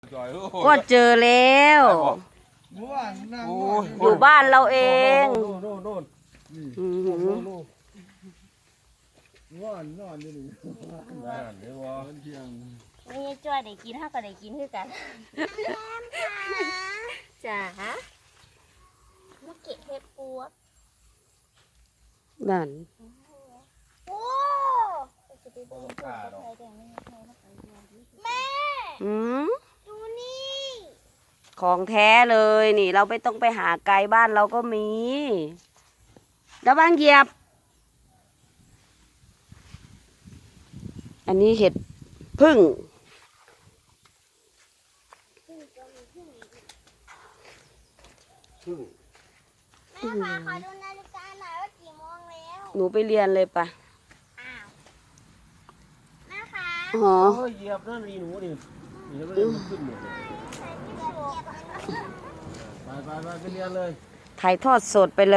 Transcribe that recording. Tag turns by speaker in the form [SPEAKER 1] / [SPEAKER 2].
[SPEAKER 1] ก็เจอแล้วอยู่บ้านเราเอง
[SPEAKER 2] นี่จ้อยได้กินถ้าก็ได้กินคือกันจ้ามาเก็บเห็ดปัว
[SPEAKER 1] นั่น
[SPEAKER 2] โอ้แม่
[SPEAKER 1] อืม
[SPEAKER 2] ดูนี่
[SPEAKER 1] ของแท้เลยนี่ เราไม่ต้องไปหาไกลบ้านเราก็มีระวังเหยียบ อันนี้เห็ดพึ่ง
[SPEAKER 2] แม่คะขอดูนาฬิกาหน่อยว่ากี่โมงแล้ว
[SPEAKER 1] หนูไปเรียนเลยปะ
[SPEAKER 2] อ้าวแม่คะ
[SPEAKER 1] อ๋อ
[SPEAKER 3] เหยียบนั่นนี่หนูนี่เดี๋ยวมันขึ้นหมดเลยไปไปเรียนเลย
[SPEAKER 1] ถ่ายทอดสดไปเลย